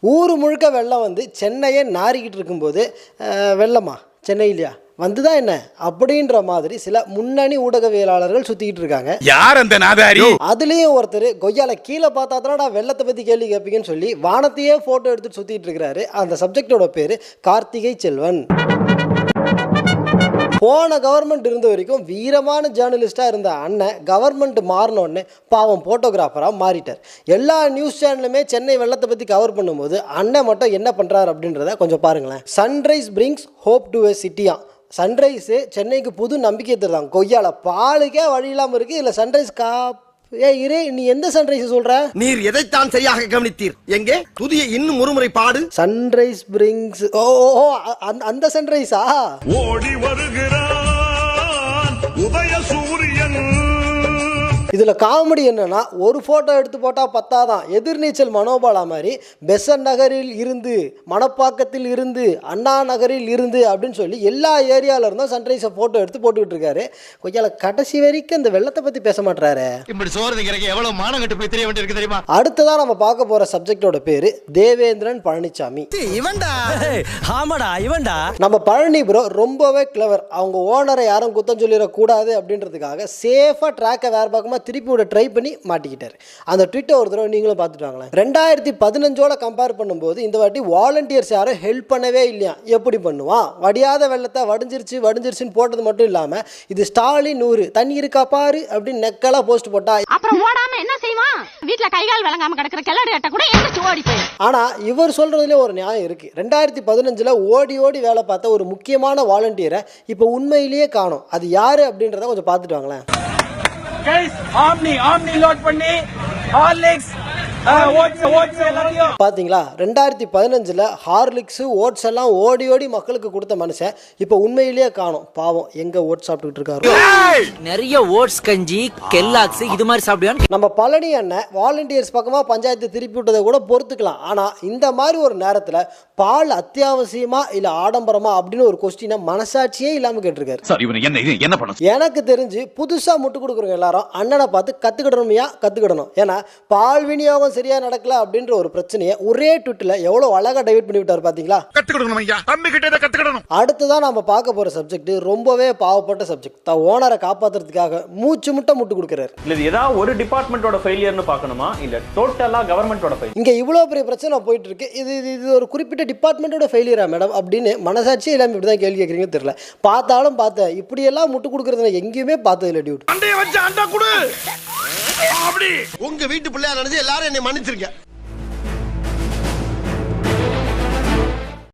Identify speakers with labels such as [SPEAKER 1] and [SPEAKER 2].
[SPEAKER 1] ஊர் முழுக்க வெள்ளம் வந்து சென்னையை நாரிக்கிட்டு இருக்கும்போது வெள்ளமா சென்னையிலையா வந்துதான் என்ன அப்படின்ற மாதிரி சில முன்னணி ஊடகவியலாளர்கள் சுத்திக்கிட்டு இருக்காங்க.
[SPEAKER 2] யார் அந்த நாதாரி?
[SPEAKER 1] அதுலயும் ஒருத்தர் கொய்யால கீழே பார்த்தா தானடா வெள்ளத்தை பத்தி கேள்வி கேட்பீங்கன்னு சொல்லி வானத்தையே போட்டோ எடுத்துட்டு சுத்திட்டு இருக்கிறாரு. அந்த சப்ஜெக்டோட பேரு கார்த்திகை செல்வன். போன கவர்மெண்ட் இருந்த வரைக்கும் வீரமான ஜேர்னலிஸ்டாக இருந்த அண்ணன் கவர்மெண்ட் மாறினோடனே பாவம் ஃபோட்டோகிராஃபராக மாறிட்டார். எல்லா நியூஸ் சேனலுமே சென்னை வெள்ளத்தை பற்றி கவர் பண்ணும்போது அண்ணன் மட்டும் என்ன பண்ணுறாரு அப்படின்றத கொஞ்சம் பாருங்களேன். Sunrise brings hope to a சிட்டியா. சன்ரைஸு சென்னைக்கு புது நம்பிக்கை தருதாங்க. கொய்யால பாலுக்கே வழி இல்லாமல் இருக்குது. இல்லை சன்ரைஸ் இரு, நீ எந்த சன்ரைஸ் சொல்ற?
[SPEAKER 3] நீர் எதைத்தான் சரியாக கவனித்தீர்? எங்கே புதிய இன்னும் ஒருமுறை பாடு.
[SPEAKER 1] சன்ரைஸ் பிரிங்ஸ் அந்த சன்ரைஸா?
[SPEAKER 2] ஓடி வருகிறான் உதய சூரியன்.
[SPEAKER 1] இதில் காமெடி என்னன்னா, ஒரு ஃபோட்டோ எடுத்து போட்டால் பத்தாதான், எதிர்நீச்சல் மனோபாலா மாதிரி பெசன் நகரில் இருந்து, மணப்பாக்கத்தில் இருந்து, அண்ணா நகரில் இருந்து அப்படின்னு சொல்லி எல்லா ஏரியாவில் இருந்தும் சன்ரைஸை ஃபோட்டோ எடுத்து போட்டுக்கிட்டு இருக்காரு. கொஞ்சம் கடைசி வரைக்கும் இந்த வெள்ளத்தை பற்றி பேச மாட்டாரு.
[SPEAKER 3] இப்படி சோறுங்கிறக்கு எவ்வளவு மானம் கட்டு போய் தெரிய வேண்டியிருக்கு தெரியுமா?
[SPEAKER 1] அடுத்ததான் நம்ம பார்க்க போகிற சப்ஜெக்டோட பேர் தேவேந்திரன் பழனிசாமி. நம்ம பழனி ப்ரோ ரொம்பவே கிளவர். அவங்க ஓனரை யாரும் குத்தம் சொல்லிடக்கூடாது அப்படின்றதுக்காக சேஃபாக ட்ராக்கை வேறு பக்கமாக திருப்பி விட ட்ரை பண்ணி மாட்டிக்கிட்டாரு. அந்த ட்விட்டர் ஒரு தடவை நீங்களும் பார்த்துட்டு வாங்களேன். 2015 கம்பேர் பண்ணும்போது இந்த வாட்டி வாலண்டியர்ஸ் யாரும் ஹெல்ப் பண்ணவே இல்லையா. எப்படி பண்ணுவான்? வடியாத வெள்ளத்தை வடிஞ்சிருச்சுன்னு போட்டது மட்டும் இல்லாம இது ஸ்டாலின் 100 தண்ணி இருக்கா பாரு அப்படின்னு நெக்கலா போஸ்ட் போட்டா
[SPEAKER 4] அப்புறம் ஓடாம என்ன செய்வான்? வீட்ல கைகால் விளங்காம கிடக்குற கிளறிட்ட கூட எந்திரிச்சு ஓடி போய்.
[SPEAKER 1] ஆனா இவர் சொல்றதுல ஒரு நியாயம் இருக்கு. 2015 ஓடி ஓடி வேலை பார்த்த ஒரு முக்கியமான வாலண்டியரை இப்ப உண்மையிலேயே காணோம். அது யாரு அப்படின்றத கொஞ்சம் பார்த்துட்டு வாங்களேன்.
[SPEAKER 5] லோட் பண்ணி ஹார்லிக்ஸ்
[SPEAKER 1] பாத்தீங்களா? 2015 ஹார்லிக்ஸ் ஓட்ஸ் எல்லாம் ஓடி ஓடி மக்களுக்கு கொடுத்த மனுஷன் இப்ப உண்மையிலேயே காணோம். பாவம், எங்க ஓட்ஸ் சாப்பிட்டுட்டு இருக்காரு?
[SPEAKER 6] நிறைய ஓட்ஸ் கஞ்சி கெல்லாக்ஸ் இது மாதிரி சாப்பிடுவான்.
[SPEAKER 1] நம்ம பழனி அண்ணன் வாலண்டியர்ஸ் பக்கமா பஞ்சாயத்து திருப்பி விட்டதை கூட பொறுத்துக்கலாம். ஆனா இந்த மாதிரி ஒரு நேரத்துல பால் அத்தியாவசியமா இல்ல ஆடம்பரமா அப்படின்னு ஒரு கொஸ்டினை மனசாட்சியே இல்லாம கேட்டிருக்காரு. எனக்கு தெரிஞ்சு புதுசா முட்டு கொடுக்குறவங்க எல்லாரும் அண்ணனை பார்த்து கத்துக்கிடணும். ஏன்னா பால் விநியோகம் சரியா நடக்கல அப்படின்ற ஒரு பிரச்சனையை ஒரே ட்விட்ல எவ்வளவு அழகா டைவர்ட் பண்ணி விட்டாரு பாத்தீங்களா? அடுத்ததான் நம்ம பார்க்க போற சப்ஜெக்ட் ரொம்பவே பாவப்பட்ட சப்ஜெக்ட். தான் ஓனரை காப்பாத்துறதுக்காக மூச்சு முட்டு கொடுக்கிறாரு.
[SPEAKER 5] இல்ல ஏதாவது ஒரு டிபார்ட்மெண்டோட ஃபெயிலியர்னு பார்க்கணுமா இல்ல டோட்டலா கவர்மெண்டோட ஃபெயிலியர்?
[SPEAKER 1] இங்க இவ்வளவு பெரிய பிரச்சனை போயிட்டு இருக்கு. இது ஒரு குறிப்பிட்ட டிபார்ட்மெண்டோட ஃபெயிலியரா மேடம் அப்படின்னு மனசாட்சியே இல்லாம இப்படிதான் கேள்வி கேட்கறீங்கன்னு தெரியல. பார்த்தாலும் பார்த்தேன், இப்படி எல்லாம் முட்டு கொடுக்கறத எங்கேயுமே பார்த்தது இல்லை. டியூட்
[SPEAKER 3] உங்க வீட்டு பிள்ளையா நினைச்சு எல்லாரும் என்னை மன்னிச்சிருக்க.